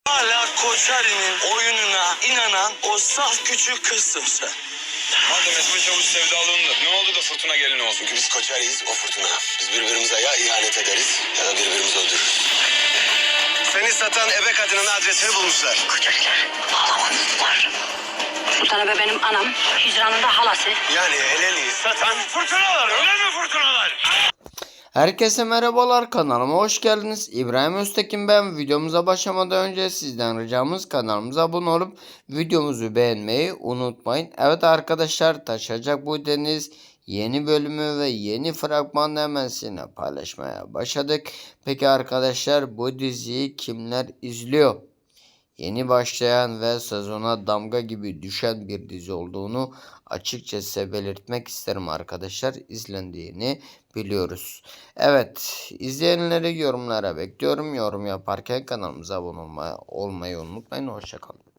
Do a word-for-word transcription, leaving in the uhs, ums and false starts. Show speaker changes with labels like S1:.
S1: Hala Koçari'nin oyununa inanan o saf küçük kızsın sen.
S2: Madem Esme Çavuş sevdalığında ne oldu da Fırtına gelin olsun?
S3: Çünkü biz Koçari'yiz, o Fırtına. Biz birbirimize ya ihanet ederiz ya da birbirimizi öldürürüz. Seni satan ebe kadının adresini bulmuşlar.
S4: Koçariler bağlamadılar. Sultan Ebe benim anam, hicranın da halası.
S3: Yani Helen'i
S1: Satan fırtınalar, öyle mi fırtınalar?
S5: Herkese merhabalar, kanalıma hoş geldiniz. İbrahim Öztekin ben. Videomuza başlamadan önce sizden ricamız kanalımıza abone olup videomuzu beğenmeyi unutmayın. Evet arkadaşlar, Taşacak Bu Deniz yeni bölümü ve yeni fragmanı hemen sizinle paylaşmaya başladık. Peki arkadaşlar, bu diziyi kimler izliyor? Yeni başlayan ve sezona damga gibi düşen bir dizi olduğunu açıkçası belirtmek isterim arkadaşlar. İzlendiğini biliyoruz. Evet, izleyenleri yorumlara bekliyorum. Yorum yaparken kanalımıza abone olmayı unutmayın. Hoşçakalın.